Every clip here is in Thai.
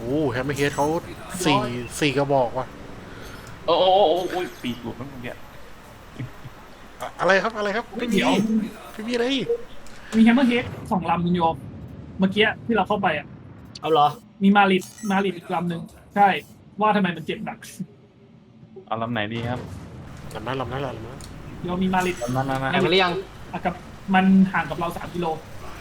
อ้แฮมเมอร์เฮดเขาสี่กระบอกว่ะโอ้ปีกหลุดมั้งเนี่ยอะไรครับอะไรครับไม่มีเดี๋ยวไม่มีอะไรมีแฮมเมอร์เฮด2 ลำคุณโยมเมื่อกี้ที่เราเข้าไปอ่ะเอาเหรอมีมาริดอีกลำหนึ่งใช่ ว่าทำไมมันเจ็บหนักเอาลำไหนดีครับลำนั้นโยมมีมาริดลำนั้นนะแข่งกันหรือยังกับมันห่างกับเรา3 กิโล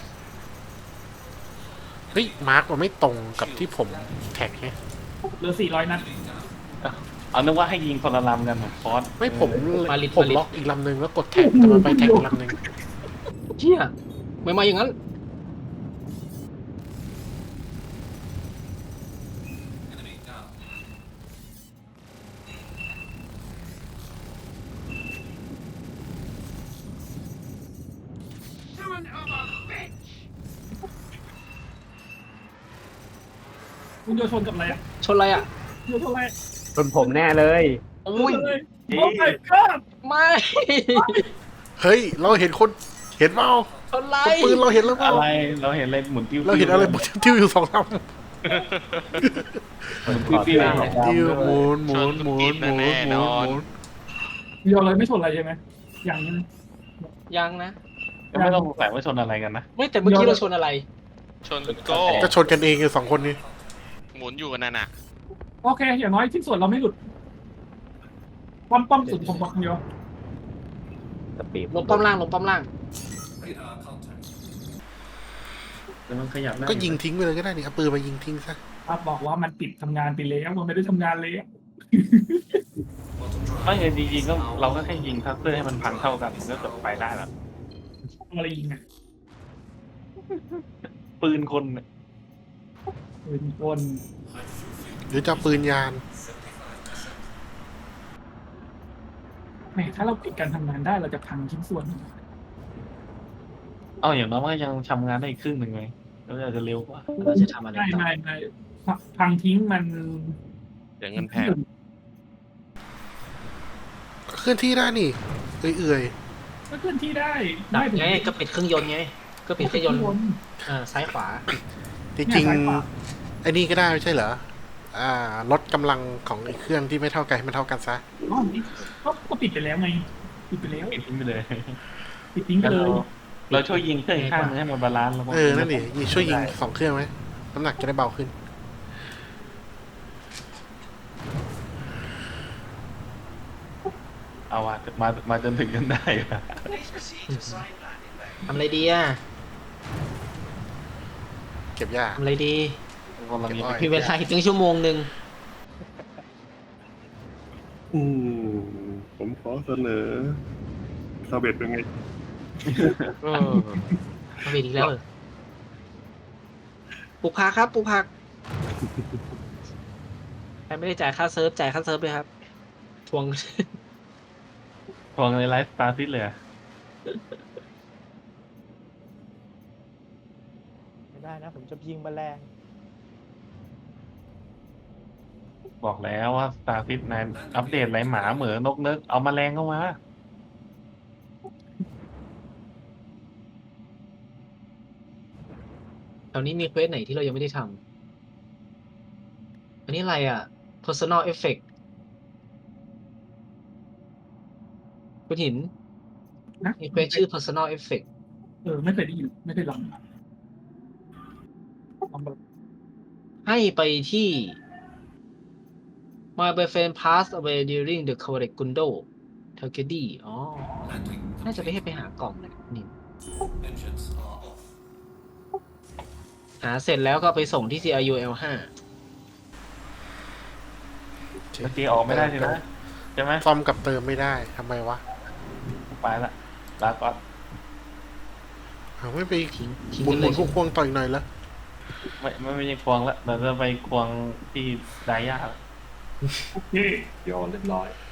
เฮ้ยมาร์กมันไม่ตรงกับที่ผมแท็กไงเหลือ400 นัดเอานึกว่าให้ยิงคนละลำกันเหมือนฟอสไม่ผมมาริดผมล็อกอีกลำหนึ่งแล้วกดแท็กแต่มันไปแท็กอีกลำหนึ่งเชี่ยไม่มาอย่างนั้นคุณโยชนกับอะไรอ่ะชนอะไรอ่ะโยชนอะไรเป็นผมแน่เลยโอ้ยโอ้ my god ไม่เฮ้ยเราเห็นคนเห็นเปล่าชนอะไรคนปืนเราเห็นแล้วเปล่าอะไรเราเห็นอะไรหมุนติ้วเราเห็นอะไรบนติ้วอยู่2 ลำหมุนติ้วติ้วหมุนโยนเลยไม่ชนอะไรใช่ไหมอย่างนี้ยังนะก็ไม่ต้องสงสัยว่าชนอะไรกันนะไม่แต่เมื่อกี้เราชนอะไรชนโก้ก็ชนกันเองอยู่2 คนนี้หมุนอยู่กันนั่นน่ะโอเค อย่างน้อยชิ้นส่วนเราไม่หลุดป้อมสุดผมบอกคุณโยสปีดลงป้อมล่างลงป้อมล่างแต่มันขยับได้ก็ยิงทิ้งไปเลยก็ได้นี่เอาปืนมายิงทิ้งซะครับบอกว่ามันปิดทำงานไปแล้วมันไม่ได้ทำงานเลยอะไม่เออจริงๆก็เราก็แค่ยิงทัสเตอร์ให้มันพังเท่ากันก็จบไปได้แล้วอะไรยิงอ่ะปืนคนเนี่ยปืนกลหรือจะเอาปืนยานแหมถ้าเราปิดการทำงานได้เราจะพังชิ้นส่วนเอาอย่างน้อยมันก็ยังทำงานได้อีกครึ่งหนึ่งไงแล้วอาจจะเร็วกว่าเราจะทำอะไรไม่ต่อไม่พังทิ้งมันเดี๋ยวเงินแพงเคลื่อนที่ได้นี่เอื่อยก็เคลื่อนที่ได้ดับถึไงก็ปิดเครื่องยนต์ไงก็ปิดเครื่องยนต์ซ้ายขวาๆจริงๆไอ้นี่ก็ได้ไม่ใช่เหรอลดกำลังของไอ้เครื่องที่ไม่เท่ากันให้มันเท่ากันซะอ๋อนี่ก็ปิดไปแล้วไงปิดไปแล้วปิดทิ้งไปเลยปิดทิ้งไปเลยเราช่วยยิงเครื่องอีกข้างนึงให้มันบาลานซ์แล้วก็นั่นดิช่วยยิง2 เครื่องไหมน้ำหนักจะได้เบาขึ้นเอาว่ะมาจนถึงกันได้ว่ะทำอะไรดีอ่ะเก็บหญ้าทำอะไรดีกำลังมีเก็บอ้อยมีเวลาอีก1 ชั่วโมงผมขอเสนอซาเบตเป็นไงเอาไปอีกแล้วเหรอปลูกผักครับปลูกผักใครไม่ได้จ่ายค่าเซิร์ฟจ่ายค่าเซิร์ฟเลยครับทวงทวงในไลฟ์สตาร์ซิสเลยอะไม่ได้นะ ผมจะยิงแมลงบอกแล้วว่าสตาร์ซิสในอัปเดตไรหมาเหมือนนกเนึกเอามาแรงเข้ามาแถวนี้มีเควสไหนที่เรายังไม่ได้ทำอันนี้อะไรอ่ะ personal effect คุณหินนะมีเควสชื่อ personal effect ไม่เคยได้ยินไม่เคยลองแบบให้ไปที่ My boyfriend passed away during the Correct Gundo Tragedy อ๋อ น่าจะไปให้ไปหากล่องเลยนี่หาเสร็จแล้วก็ไปส่งที่ CRU L5 เมื่อกี้ออกไม่ได้ใช่ไหมใช่ไหมซ่อมกับเติมไม่ได้ทำไมวะไปละลาก่อนไม่ไปทิ้งหมุกัน นเลยควงต่ออีกหน่อยละไม่ใช่ควงละเราจะไปควงที่ไดย่าละโอเคโยนเรียบร้อย